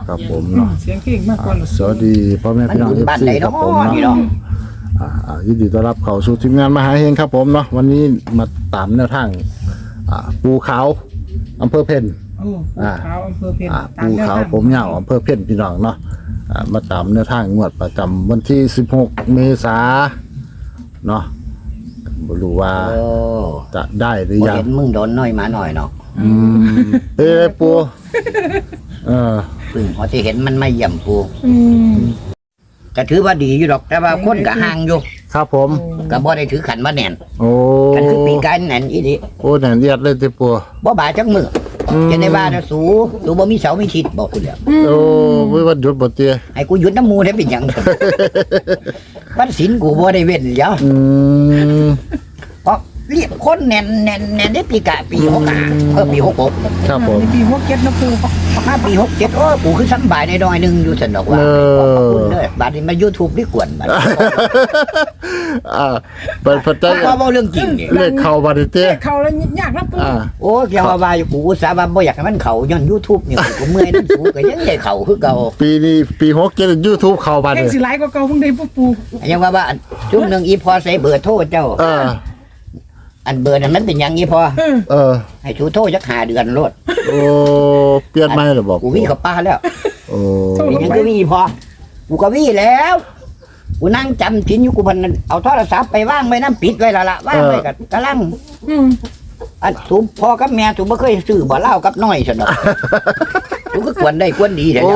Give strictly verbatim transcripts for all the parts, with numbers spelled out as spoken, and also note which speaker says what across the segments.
Speaker 1: ครับผมเนาะ
Speaker 2: เสียงเก่งมากกว่า
Speaker 1: สวัสดีพ่อแม่พี่น้อง เอฟ ซี ครับผมเนาะอ่ายินดีต้อนรับเข้าสู่ทีมงานมหาเฮงครับผมเนาะวันนี้มาตามแนวทางอ่าปูขาวอำเภอเพ็ญ
Speaker 2: โอ้ภูเขาอำเภอเพ็ญ
Speaker 1: อ่าปูขาวผมยาวอำเภอเพ็ญพี่น้องเนาะอ่ามาตามแนวทางงวดประจำวันที่สิบหกเมษายนเนาะบ่รู้ว่าจะได้หรือยัง
Speaker 3: เห็นมึงโดนน้อยมาหน่อยเนาะ
Speaker 1: อืมเอ้ยปูเออ
Speaker 3: พึ่งพอที่เห็นมันไม่เยี่ยมปู
Speaker 2: อืม
Speaker 3: ก็ถือว่าดีอยู่ดอกแต่ว่าคนก็ห่างอยู่
Speaker 1: ครับผม
Speaker 3: ก็บ่ได้ถือขันว่าแน่น
Speaker 1: โอ้
Speaker 3: กันคือปีกายแน่นอีดิ
Speaker 1: โอ้แหน่เอียดเลยติปู
Speaker 3: บ่บาจักมือ
Speaker 1: อืม
Speaker 3: จะได้ว่านะสูสูบ่มีเสามีทิศบอกคุณแล้ว
Speaker 1: โอ้ไม่วันหยุดบ่เตี้ย
Speaker 3: ให้กูหยุดน้ำมูได้เป็นหยัง วันศีลกูบ่ได้เว้นเดี๋ยว
Speaker 1: อืม
Speaker 3: เพราะเรียกคนแน่นแน่นแน่นได้ปีกะปีหกห้าเออปีหกหก
Speaker 1: ครับผม
Speaker 2: ในปีหกเจ็ดนะปู
Speaker 3: ห้าปีหกเจ็ดโอ้กูคือสำบายในดอยหนึงอยู่สนอกว่า
Speaker 1: เออ
Speaker 3: ขอบพระคุณเด้อบัดนี้มา YouTube นี่กวนบัด
Speaker 1: อ่าเปิดพระเจ้า
Speaker 3: เพราะว่าเรื่องจริงนี่
Speaker 1: เลขเข้าบัดนี้เตี้ย
Speaker 2: เขาแล้วยากนะปู
Speaker 1: อ่า
Speaker 3: โอ้เกี่ยวว่าอยู่กูอุตสาห์ว่าบ่อยากให้มันเข้าย้อน YouTube นี่กูเมื่อยนั่นสูก็ยังได้เข้าคือเก่า
Speaker 1: ปีนี้ปีหกเจ็ด YouTube เข้าบัด
Speaker 2: แห่ง
Speaker 1: นี้
Speaker 2: สิหลายกว่าเก่าเพิ่งได้ปูปู
Speaker 3: ยังว่าว่าช่วงหนึงอีพอใส่เบอร์โทรเจ้า
Speaker 1: เออ
Speaker 3: อันเบอร์นั้นมันเป็นหยังอีพอ
Speaker 2: เออ
Speaker 1: เออ
Speaker 3: ให้ชูโทรจักห้าเดือนโลด
Speaker 1: โอ้เปลี่ยนใหม่หรือบอก
Speaker 3: กูวิ่งเข้าป่าแล้ว
Speaker 1: โอ้
Speaker 3: เป็นหยังก็วิ่งพอกูก็วิ่งแล้วกูนั่งจำชิ้นอยู่กูพันเอาโทรศัพท์ไปว่างไว้น้ำปิดไว้ละละว่างไว้กับกำลัง
Speaker 2: อืม
Speaker 3: อันสูบพอกับแม่สูบไม่เคยซื้อบ่เหล้ากับน้อยสนอกสูก็ควรได้ควรดีเถอะ
Speaker 1: โอ้
Speaker 3: เนี่ย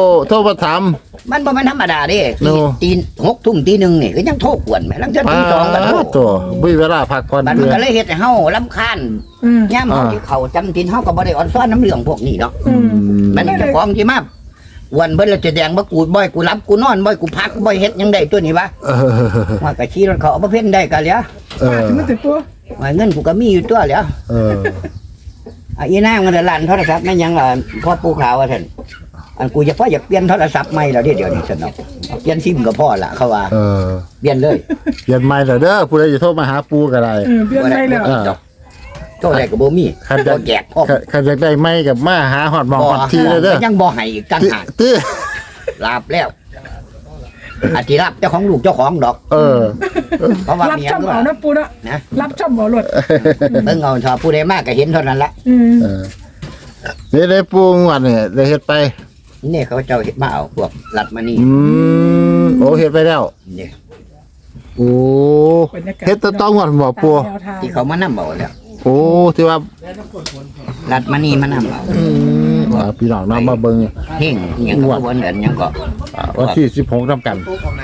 Speaker 1: โทรมาถาม
Speaker 3: มันบ่แม่นธรรมดาเด้
Speaker 1: โน่
Speaker 3: ตีนหกทุ่มตีหนึ่งนี่ก็ยังโทรกวนแม่ลังจะตีสองก็โทร
Speaker 1: ตัวมีเวลาพักผ่อน
Speaker 3: มัน
Speaker 1: เดื
Speaker 3: มัน
Speaker 1: อน
Speaker 3: ก็เลยเฮ็ดให้เฮารำคาญ
Speaker 2: อืม
Speaker 3: ย่ามเฮาที่เขาจำทินเฮาก็บ่ได้อ่อนซ้อนน้ำเรื่องพวกนี้เนาะ
Speaker 2: อืม
Speaker 3: มันเจ้าของที่มาวันเบิ่นแล้วจะแดงบ่กูบ่อยกูรับกูนอนบ่อยกูพักบ่อยเฮ็ดหยังได้ตัวนี้วะ
Speaker 1: เออ
Speaker 3: ว่าก็ขี่รถเขาเอามาเพ่นได้ก็แล้ว
Speaker 1: เอ
Speaker 2: ปา
Speaker 1: อ
Speaker 2: ดมันแต่ปู
Speaker 3: ว่าเงินกูก็มีอยู่ตัวแล้ว
Speaker 1: เออ
Speaker 3: อ่ะอีนางมันลั่นโทรศัพท์แม่นหยังล่ะพ่อปู่ขาวว่าซั่นอันกูจะพ่ออยากเปลี่ยนโทรศัพท์ใหม่แล้วเดี๋ยวเดี๋ยวนี้ซั่นเนาะเปลี่ยนซิมก็พอละเขาว่า
Speaker 1: เออ
Speaker 3: เปลี่ยนเลย
Speaker 1: เปลี่ยนใหม่แล้วเด้อผู้ใดจะโทรมาหาปูก็ได้
Speaker 2: เออเปลี่ยนได้แล้ว
Speaker 1: เออ
Speaker 3: โทรได้ก็บ่มี
Speaker 1: คัน
Speaker 3: บ่
Speaker 1: จะ
Speaker 3: แจกพ่อ
Speaker 1: คันจะได้ไม่กับมาหาฮอดหมองฮอดทีเลยเด้อ
Speaker 3: ยังบ่ให้อีกตั้ง
Speaker 1: ติ
Speaker 3: หาก
Speaker 1: ติ
Speaker 3: ลาบแล้วอาทิรับเจ้าของลูกเจ้าของดอก
Speaker 1: เออ
Speaker 3: เพราะว่า
Speaker 2: รับ
Speaker 3: เมีย
Speaker 2: ช่อม
Speaker 3: ก็
Speaker 2: เอานะปูนะ
Speaker 3: นะ
Speaker 2: รับช่อมเอารถ
Speaker 3: เบิ่งเอาชอบผู้ใดมากก็เห็นเท่านั้นละ
Speaker 2: อืม
Speaker 1: เออนี่ได้ปูงวดนี่ได้เฮ็ดไป
Speaker 3: นี่เขาเจ้าเฮ็ดมาเอาพวกรัดมานี่
Speaker 1: อืมโอ้เฮ็ดไปแล้ว
Speaker 3: นี่
Speaker 1: โอ้เฮ็ดแตะต้องงวดบ่ปู
Speaker 2: ตามแนวทาง
Speaker 3: ที่เขามานำเอาแล้ว
Speaker 1: โอ้ที่ว่า
Speaker 3: รัดมานี่มานำเอา
Speaker 1: อืมอ่าพี่น้องนำมาเบิ่ง
Speaker 3: เพ่งอิหยังก็บ่เหมือนหยังก็
Speaker 1: อ่าวันที่สิบหกนำกัน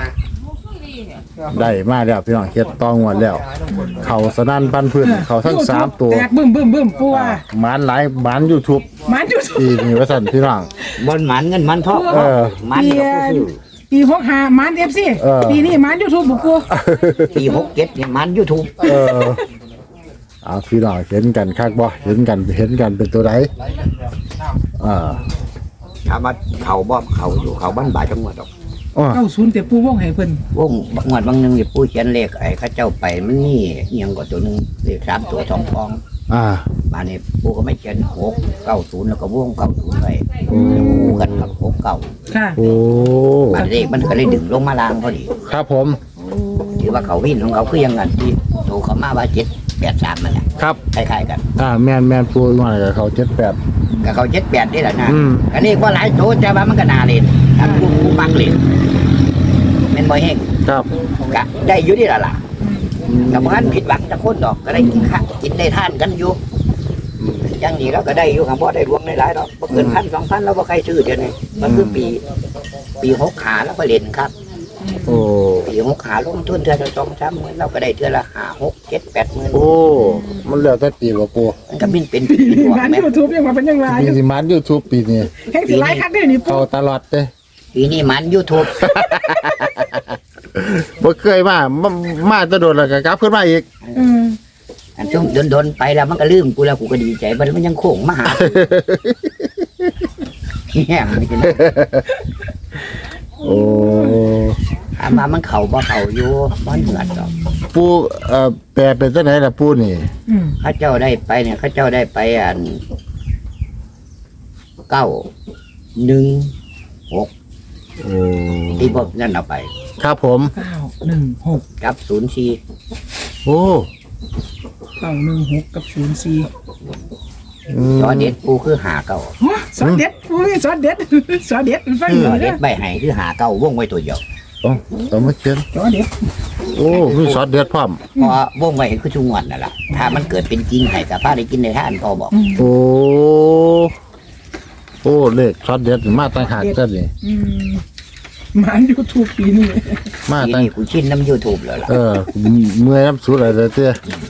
Speaker 1: ได้มาแล้วพี่น้องเฮ็ดต้องงวดแล้ว เขาสนั่นปันพื้นเขาทั้งสามตัว
Speaker 2: แตกบึ้มบึ้มบึ้มปูว่า
Speaker 1: หมานหลายหมาน YouTube
Speaker 2: มันอยู่
Speaker 1: อีกนี่ว่าซั่นพี่น้อง
Speaker 3: บ่หมันเงินมันทอง
Speaker 1: เออ
Speaker 3: มันก็ผู้ซื้อ
Speaker 2: ปีหกห้ามันเอฟซี
Speaker 1: เออ
Speaker 2: ปีนี้มันยูทูบปูปู
Speaker 3: ปีหกเจ็ดนี่มัน YouTube
Speaker 1: เออเอาพี่น้องเห็นกันคักบ่เห็นกันเห็นกันเป็นตัวใดอ่า
Speaker 3: ถามว่าเขาบ่เขาอยู่เขาบ้านบ่ายจังหวัดดอก
Speaker 1: อ๋อ
Speaker 2: เก้าศูนย์แต่ปูว่องให้เพิ่น
Speaker 3: วงงวดบางหนึงนี่ผู้เขียนเลขไอ้เขาเจ้าไปมันนี่อิหยังก็ตัวหนึงเลขสามตัวสองฟอง
Speaker 1: อ่า
Speaker 3: มาเนี่ยปู่ก็ไม่เขียนหกเก้าศูนย์แล้วก็วงเก้าศูนย์ไว้คู่กันกับหกเก้า
Speaker 2: ค่ะ
Speaker 1: โอ้
Speaker 3: บานเลขมันก็เลยดึงลงมาล่างพอดี
Speaker 1: ครับผม
Speaker 3: ถือว่าเขาวิ่งของเขาคือยังไงที่โตเขามาว่าเจ็ดแปดสามมันแหละ
Speaker 1: ครับ
Speaker 3: คล้ายๆกัน
Speaker 1: อ่าแม่นแม่นปูว่ากับเขาเจ็ดแปด
Speaker 3: กับเขาเจ็ดแปดนี่แหละนะ
Speaker 1: อืม
Speaker 3: อันนี้ว่าหลายโตแต่ว่ามันก็นาเล่นถ้าผู้ผู้มักเล่นเป็นบ่อยแห้ง
Speaker 1: ครับ
Speaker 3: ก็ได้อยู่นี่แหละล่ะกับพันผิดหวังจะคนดอกก็ได้กินข้าวกินได้ทานกันอยู่อยังนี้เราก็ได้อยู่ครับเพราะได้รวมหลายๆดอกบ่เกินพันสองพันเราบ่ใครซื้อเดี๋ยวนี้มันคือปี ปีหกขาแล้วก็เล่นครับ
Speaker 1: โอ้
Speaker 3: ปีหกขาลงทุนเทือนละสองสามหมื่นเราก็ได้เทือนละห้าหกเจ็ดแปดหมื่น
Speaker 1: โอ้มันแล้วแต่ปีว่าปู
Speaker 3: มันก็บินเป็นปีหว
Speaker 2: มัน
Speaker 3: แม่
Speaker 2: ยูทูบยังมาเป็นยังไง
Speaker 1: ปีสิมัน YouTube ปีนี้
Speaker 2: แห่งสิหลายคักได้นี่ปู
Speaker 1: เขาตลอดเด้
Speaker 3: ปีนี้มันยูทูบ
Speaker 1: บ่เคยมามามาแตะโดนแล้วก็กลับขึ้นมาอีก
Speaker 2: เออ
Speaker 3: อันช่วงโดนๆไปแล้วมันก็ลืมกูแล้วกูก็ดีใจมันมันยังโค้งมาหาแง่มันกิน
Speaker 1: โอ้
Speaker 3: ถามมามันเข่าบ่เข่าอยู่มันเหมือนดอก
Speaker 1: ปูเอ่อแปลเป็นจังไดล่ะปูนี่
Speaker 2: อืม
Speaker 3: เข้าเจ้าได้ไปเนี่ยเข้าเจ้าได้ไปอันเก้าหนึ่งหก
Speaker 1: โอ้
Speaker 3: ที่พวกนั่นเอาไป
Speaker 1: ครับผม
Speaker 2: เก้าหนึ่งหก
Speaker 3: กับศูนย์สี่
Speaker 1: โอ้
Speaker 2: เก้าหนึ่งหกกับศูนย์สี่
Speaker 3: จอเด็ดปูคือหาเก้า
Speaker 2: ฮะซอสเด็ดอุ้ยซอสเด็ดซอสเด็ดฟัง
Speaker 3: จ
Speaker 2: เล
Speaker 3: อย เด็
Speaker 2: นะ
Speaker 3: ดใบไห้คือหาเก้าวงไว้ตัวเดียว
Speaker 1: เอาเอามาเขียน
Speaker 2: ซอสเด็ด
Speaker 1: โอ้มีซอสเด็ดพร้อม
Speaker 3: เพราะวงไว้คือชุงวันนั่นแหละถ้ามันเกิดเป็นจริงให้กับป้าได้กินในท่านพ่อบอก
Speaker 1: โอ้ โอ้ เลขซอสเด็ดมาตั้งหากกันนี่
Speaker 2: อืมหมันยูทูบปีนี้
Speaker 1: มา
Speaker 3: ที
Speaker 1: ตั้ง
Speaker 3: นี้กูชินน้ำยูทูบแล้วล่ะ
Speaker 1: เออ เมื่อยน้ำสูดอะไรเตี้ย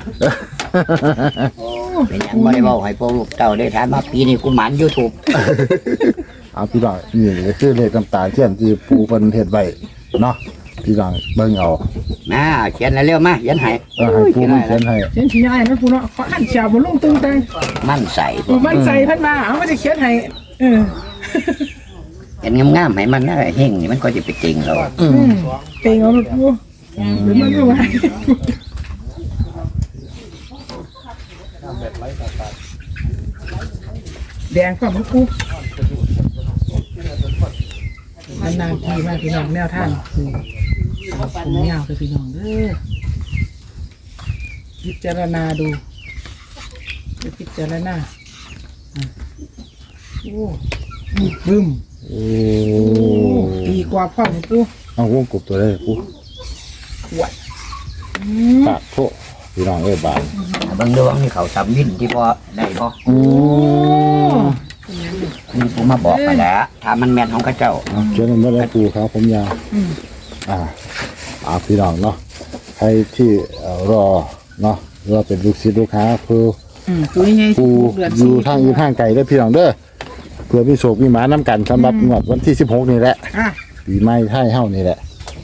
Speaker 3: เป็นหยังบ่ได้บอกให้พวกลูกเต้าได้ถามมาปีนี้กูหมันยูทูบ
Speaker 1: เอาพี่น้องนี่ก็คือเลขน้ำตาเทียนที่ปูเพิ่นเฮ็ดไว้เนาะพี่น้องเบิ่งเอา
Speaker 3: มาเขียนเร็วๆมาเขียนให้
Speaker 1: เออให้ปูมันเขียนให้
Speaker 2: เขียนขี้ยายนะปูเนาะขออ่านเชียวบนลงตึงตัง
Speaker 3: มั่นใส่
Speaker 2: ปูมันใส่พันมาเอามาจะเขียนให้เออ
Speaker 3: เห็นงามๆให้มันนะเฮงนี่มันก็จะไปจริงแล้ว
Speaker 1: อืม
Speaker 2: เก่งเอาลูกปูหรือมันไม่ไหวแดงความลูกปูนานๆทีมากพี่น้องแนวทางคือผมยาวคือพี่น้องเด้อพิจารณาดูพิจารณาอ่ะโอ้บึ้ม
Speaker 1: โอ้
Speaker 2: ดีกว่าพ่อของปู
Speaker 1: เอาวงกบตัวได้ปู
Speaker 2: ขวด
Speaker 1: ปากโตพี่น้องเอ้ยบาด
Speaker 3: เบิ่งดูว่ามีเขาทำวินที่พอได้พอ
Speaker 1: โอ้
Speaker 3: นี่ผมมาบอกไปแล้วถ้ามันแม่นของเข้าเจ้า
Speaker 1: เอาเขียนมาแล้วปูครับผมยาว
Speaker 2: อืม
Speaker 1: อ่าอ่าพี่น้องเนาะใครที่เอ่อรอเนาะรอเป็นลูกศิษย์ลูกค้าคือ
Speaker 2: อืมตัวยังไง
Speaker 1: ปู
Speaker 2: เดือน
Speaker 1: อ
Speaker 2: สี่
Speaker 1: ยู่ทางอื่นทางไกลเด้อพี่น้องเด้อเพื่อมีโศกมีหมาน้ำกันสำหรับงวดวันที่สิบหกนี่แหละ
Speaker 2: อ่ะ
Speaker 1: ปีใหม่ไทยเฮานี่แหละ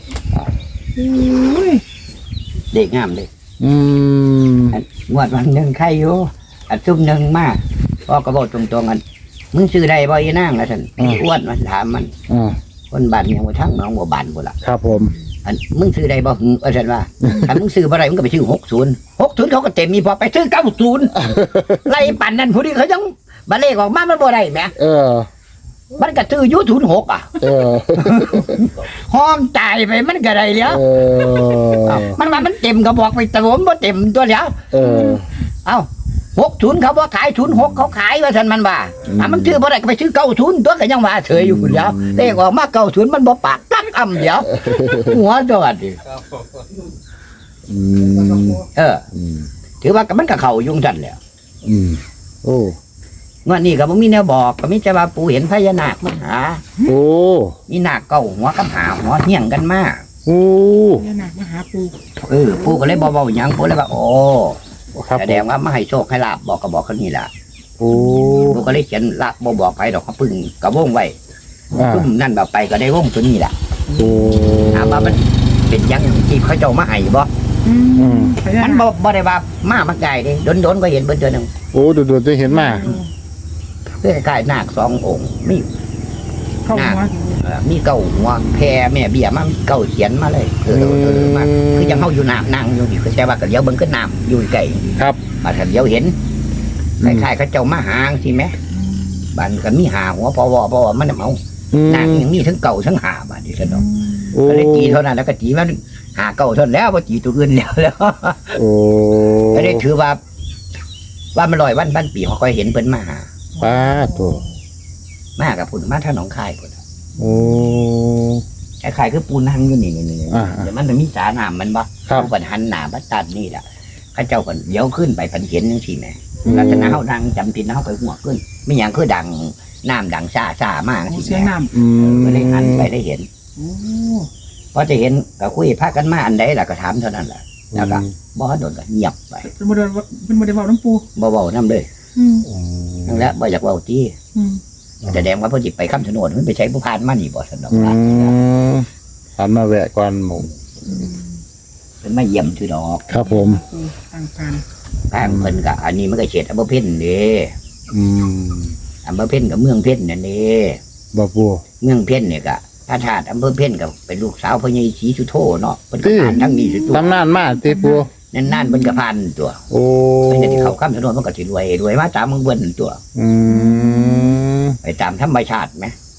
Speaker 2: อุ้ย
Speaker 3: เด็กงามเลย
Speaker 1: อืม
Speaker 3: งวดวันหนึ่งใครอยู่อันซุ่มหนึ่งมาพ่อก็บอกตรงๆกันมึงซื้อได้บ่อีนางล่ะท่านไอ้อ้วนมันถามมัน
Speaker 1: อ่า
Speaker 3: คนบ้านยังบ่ทั้งน้องบ่บ้านบ่ล่ะ
Speaker 1: ครับผม
Speaker 3: อันมึงซื้อได้บ่หึเออฉันว่า ถ้ามึงซื้อบ่ได้มึงก็ไปซื้อหกศูนย์ หกศูนย์เขาก็เต็มมีพอไปซื้อเก้าศูนย์ ไล่ปั่นนั่นผู้นี้เขายังบัเลขออกมามันบ่ได้แหม
Speaker 1: เออ
Speaker 3: มันก็ซื้ออยู่ศูนย์หกอ่ะ
Speaker 1: เออ
Speaker 3: ห้องจ่ายไปมันก็ได้แล้ว
Speaker 1: เออ
Speaker 3: เอ้ามันว่ามันเต็มก็บอกไปแต่ผมบ่เต็มตัวแล้ว
Speaker 1: เออ
Speaker 3: เอ้าหกศูนย์เขาบ่ขายศูนย์หกเขาขายว่าซั่นมันว่าถ้ามันซื้อบ่ได้ก็ไปซื้อเก้าศูนย์ตัวก็ยังว่าเฉยอยู่พุ่นแล้วเลขออกมาเก้าศูนย์มันบ่ปากตักอ่ำเดียวหัวจอดดิ
Speaker 1: อืม
Speaker 3: เออ
Speaker 1: อืม
Speaker 3: ถือว่าก็มันก็เข้ายุ่งซั่นแหล้ว
Speaker 1: อืมโอ้
Speaker 3: งวดนี้ก็บ่มีแนวบอกก็มีแต่ว่าปู่เห็นพญานาคมาหา
Speaker 1: โอ้
Speaker 3: มีนาคเก้าหัวกับหาหัวเฮี้ยงกันมา
Speaker 1: โอ้
Speaker 2: เนี่ยหนักมาหาปู
Speaker 3: เออปู่ก็เลยบ่เว้าหยังปู่เลยว่าโอ้
Speaker 1: ครับ
Speaker 3: แสดงว่ามาให้โชคให้ลาบบอกก็บอกเขานี่ล่ะ
Speaker 1: โอ้
Speaker 3: ปู่ก็เลยเขียนลาบบ่บอกไปดอกเขาพึ่งก็วงไว้
Speaker 1: อ่า
Speaker 3: ซุ่มนั่นแบบไปก็ได้วงตัวนี้ล่ะ
Speaker 1: โอ้
Speaker 3: ถามว่ามันเป็นหยังที่เขาเจ้ามาให้บ่
Speaker 2: อืม
Speaker 1: อืม
Speaker 3: มันบ่บ่ได้ว่ามามาไกลเด้โดนๆก็เห็นเบิ่นเทื่อนึง
Speaker 1: โอ้ดูดูจะเห็นมา
Speaker 3: เพื่อคล้ายๆนาคสององค์มี
Speaker 2: เข้าหัว
Speaker 3: เอ่อมีเก้าหัวแพรแม่เบี้ยมามีเก้าเขียนมาเลยเออเออเออมาคือยังเฮาอยู่น้ำนั่งอยู่นี่คือแต่ว่าก็เลี้ยวเบิ่งก็น้ำอยู่ไกล
Speaker 1: ครับ
Speaker 3: มาถ้าเลี้ยวเห็น
Speaker 1: อื
Speaker 3: ค
Speaker 1: ม
Speaker 3: ล้ายๆเขาเจ้ามาหาสิแหมบ้านก็มีหาหัวพอวอพอวอมันน่ะเอา
Speaker 1: อืม
Speaker 3: นาคยังมีทั้งเก่าทั้งหาบาดนี้ซั่นเนาะ
Speaker 1: โอ้
Speaker 3: ก็เลยตีเท่านั้นแล้วก็ตีมันหาเก่าเท่านั้นแล้วบ่ตีตัวอื่นแล้วแล้ว
Speaker 1: โอ้
Speaker 3: ก็เลยถือว่า ว่ามันลอยวันพันปีเขาค่อยเห็นเพิ่นมาหา
Speaker 1: ป้าตัว
Speaker 3: มากับพุ่นมาทางหนองคายพุ่น
Speaker 1: โอ้
Speaker 3: คล้ายๆคือปูนั่งอยู่นี่นี่ๆ
Speaker 1: อ่า
Speaker 3: ๆเดี๋ยวมันจะมีสาน้ำมันบ่
Speaker 1: ครับ
Speaker 3: ผู้ปันหันหน้าบัดตัดนี่ล่ะเข้าเจ้าก็เดี๋ยวขึ้นไปพันเห็นจังซี่แหมลักษณะเฮาดังจำผิดนะเฮาไปหัวขึ้นไม่หยังคือดังน้ำดังซ่าซ่ามาก
Speaker 2: โอ้
Speaker 3: สิ
Speaker 2: เสียง
Speaker 3: แหม
Speaker 2: น้
Speaker 1: อืม
Speaker 3: ก็เลยหันไปได้เห็น
Speaker 2: ำโอ้
Speaker 3: พอจะเห็นก็คุยพากันมาอันใดล่ะก็ถามเท่านั้นล่ะแล้วก็บ่โดนก็เงียบไป
Speaker 2: เป็นโมเดลเป็นโมเดลบอกน้ำปู
Speaker 3: บ่เว้านํเลย
Speaker 2: อืม
Speaker 1: อืม
Speaker 3: นั่นแหละบ่อยากเว้าติ
Speaker 2: อืม
Speaker 3: แสดงว่าเพิ่นสิไปคำชะโนดมันไปใช้ผู้พานมานี่บ่ซั่นดอก
Speaker 1: อื
Speaker 3: ล่ะ
Speaker 1: มหันมาแวะก่อนหมู
Speaker 3: เพิ่นมาเยี่ยมซื่อดอก
Speaker 1: ครับผม
Speaker 2: ปูทางการ
Speaker 3: ทางเพิ่นก็อันนี้มันก็เขตอำเภอเพ็ญเด้
Speaker 1: อืม
Speaker 3: อำเภอเพ็ญกับเมืองเพ็ญนั่นเด้
Speaker 1: บ่ปู
Speaker 3: เมืองเพ็ญเนี่ยก็พระธาตุอำเภอเพ็ญก็เป็นลูกสาวพระยายศรีสุโธเนาะเพิ่นก็ผ่านทั้งนี้สุดตัว
Speaker 1: ตำนานมาติปู
Speaker 3: นั่นๆเพิ่นก็ผ่านตัว
Speaker 1: โอ้
Speaker 3: เพิ่นจะได้เข้าคำชะโนดมันก็สิรวยรวยมาตามเมืองเบิ่นตัว
Speaker 1: อืม
Speaker 3: ไปตามธรรมชาติแหม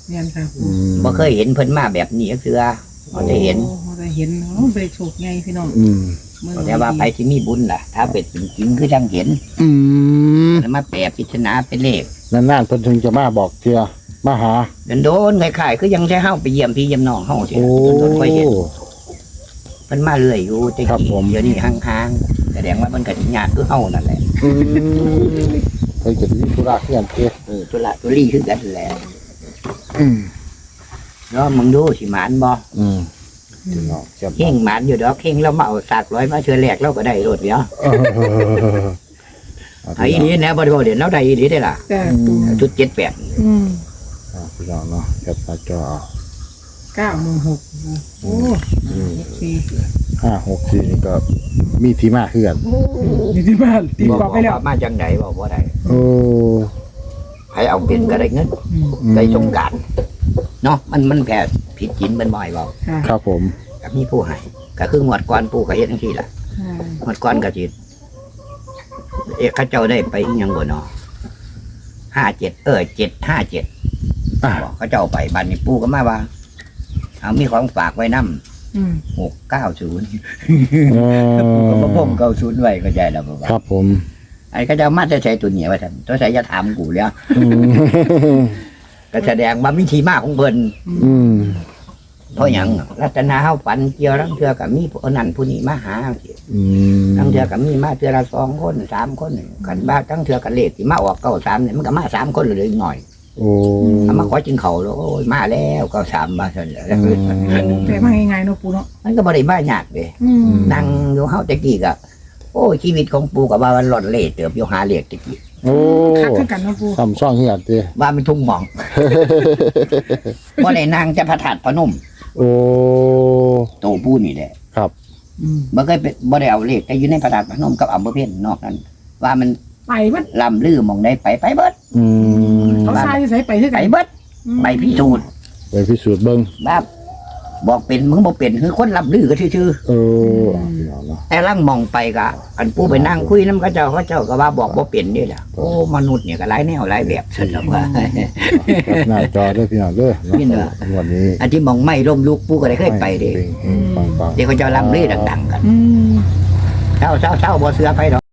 Speaker 2: เนี่ยค่ะ
Speaker 1: อืม
Speaker 3: บ่เคยเห็นเพิ่นมาแบบนี้ก็คือบ่ได้เห็น
Speaker 2: โอ้บ่ได้เห็นเนาะบ่ได้โชคไงพี่น้อง
Speaker 1: อืม
Speaker 2: มื้อ
Speaker 3: แต่ว่าไปที่มีบุญล่ะ ถ้าเป็นจริงๆคือจังเห็น
Speaker 1: อืม
Speaker 3: แล้วมาแปลพิจารณาเป็นเลข
Speaker 1: นานๆเพิ่นถึงจะมาบอกเทื่อมาหา
Speaker 3: โดนๆคล้ายๆคือยังใช้เฮาไปเยี่ยมพี่เยี่ยมน้องเฮาสิ
Speaker 1: โอ้
Speaker 3: โดนๆค่อยเห็นเพิ่นมาเรื่อยอยู่แต่
Speaker 1: ครับ
Speaker 3: กี้
Speaker 1: ผม
Speaker 3: เดี๋ยวนี้ห่างๆแสดงว่ามันก็สิยากคือเฮานั่นแหละ
Speaker 1: อืมเพิ่นจะมีธุระเพื่อนเด้
Speaker 3: เออตุละตุลี่คือกันแหละ
Speaker 1: อืม
Speaker 3: แล้วมึงดูสิหมานบ่
Speaker 1: อืมพี่น้องเจ็บ
Speaker 3: เฮงหมานอยู่ดอกเฮงแล้วมาเอาสากร้อยมาเชื่อแรกเราก็ได้รถเดียว
Speaker 1: เออ
Speaker 3: ไอ้นี่นะบ่ได้บ่เด่นเราได้อีหลีได้ล่ะ
Speaker 2: แต่ปู
Speaker 3: ชุดเจ็ดแปด
Speaker 2: อืม
Speaker 1: อ่าพี่น้องเนาะแคปหน้าจอเอา
Speaker 2: เก้าหนึ่งหกโอ้สี่
Speaker 1: ห้าหกสี่นี่ก็มีที่มาคือกัน
Speaker 2: โอ้อยู่ที่บ้านตีกรอบไปแล้ว
Speaker 3: ว่ามาจังไดบ่บ่ได้
Speaker 1: โอ้
Speaker 3: ให้เอาเป็นก็ได้เงิน
Speaker 2: อืม
Speaker 3: ได้สงกรารเนาะมันมันแค่ผิดศีลเป็นบ่อยบ่
Speaker 2: ค่ะ
Speaker 1: ครับผม
Speaker 3: ก็มีผู้ให้ก็คืองวดก่อนปู่ก็เฮ็ดจังซี่ล่ะ
Speaker 2: อ่าง
Speaker 3: วดก่อนก็สิเอ๊ะเขาเจ้าได้ไปอีหยังบ่เนาะห้าเจ็ดเออเจ็ดห้าเจ็ด
Speaker 1: อ่า
Speaker 3: เขาเจ้าไปบัดนี้ปู่ก็มาว่าเอามีของฝากไว้นำ
Speaker 2: อืม
Speaker 3: หกเก้าศูนย์
Speaker 1: เอ
Speaker 3: ก็บ่
Speaker 1: อ
Speaker 3: ผมเก้าศูนย์ไว้ก็ใจแล้วบ่ว่า
Speaker 1: ครับผม
Speaker 3: ไอ้เขาเจ้ามาจะใช้ตัวเหนียวว่าซั่นตัวใช้จะถามกูแล้ว
Speaker 1: อืม
Speaker 3: ก็แสดงว่าวิธีมาของเพิ่น
Speaker 1: อืม
Speaker 3: เพราะหยังรัตนาเฮาฝันเกี่ยวลังเทื่อก็มีผู้นั้นผู้นี้มาหา
Speaker 1: อืม
Speaker 3: ลังเทื่อก็มีมาเทื่อละสองคนสามคนกันบ้าทั้งเทื่อกันเลขที่มาออกเก้าสามเนี่ยมันก็มาสามคนเลยหน่อย
Speaker 1: โอ้
Speaker 3: เอามาขอจิงเขาแล้วโอ้ยมาแล้วเก้าสามมาซั่นแหละ
Speaker 1: อืม
Speaker 2: แต่มาง่ายๆเนาะปูเนาะ
Speaker 3: มันก็บ่ได้มายากเด้
Speaker 2: อืม
Speaker 3: นั่งอยู่เฮาแต่กี้ก็โอ้ยชีวิตของปู่ก็ว่ามันหล่อนเล่เติบอยู่หาเลขตะกี้
Speaker 1: โอ้
Speaker 2: คักคือกันเนาะปู
Speaker 1: ทำช่องเฮียนเต้
Speaker 3: ว่ามันทุ่งหมอง บ่ได้นั่งจะพระธาตุพนม
Speaker 1: โอ้
Speaker 3: โตปู่นี่แหละ
Speaker 1: ครับ
Speaker 2: อืม
Speaker 3: บ่เคยเป็นบ่ได้เอาเลขแต่อยู่ในพระธาตุพนมกับอำเภอเพ็ญนอกนั้น ว่ามัน
Speaker 2: ไปเบัด
Speaker 3: ลำลือหมองได้ไปไปเบิด
Speaker 1: อืม
Speaker 2: เขาทรายใส่ไปคือ
Speaker 3: ไป
Speaker 2: กัน
Speaker 3: เบิดไปพิสูจน์
Speaker 1: ไปพิสูจน์เบิ่ง
Speaker 3: แบบบอกเป็นมึงบ่เป็นคือคนลำลือก็ชื่อ
Speaker 1: เอออ่ะพี่น้องเนาะ
Speaker 3: ๆแต่ลังมองไปก็อันปู่ไปนั่งคุยนำเขาเจ้าเขาเจ้าก็ว่าบอกบ่เป็นนี่แหละโอ้มนุษย์เนี่ยก็หลายแนวหลายแบบซั่นล่ะว่า
Speaker 1: แคปหน้าจอเด้อพี่น้องเด้อ
Speaker 3: นี่เนอะ
Speaker 1: วันนี้
Speaker 3: อันที่มองไม่ร่มลุกปู่ก็ได้เคยไปเด้
Speaker 1: ปังๆ
Speaker 3: เดี๋ยวเขาเจ้าลำลือดังๆกัน
Speaker 2: อืม
Speaker 3: เช้าๆๆบ่เสือไปดอก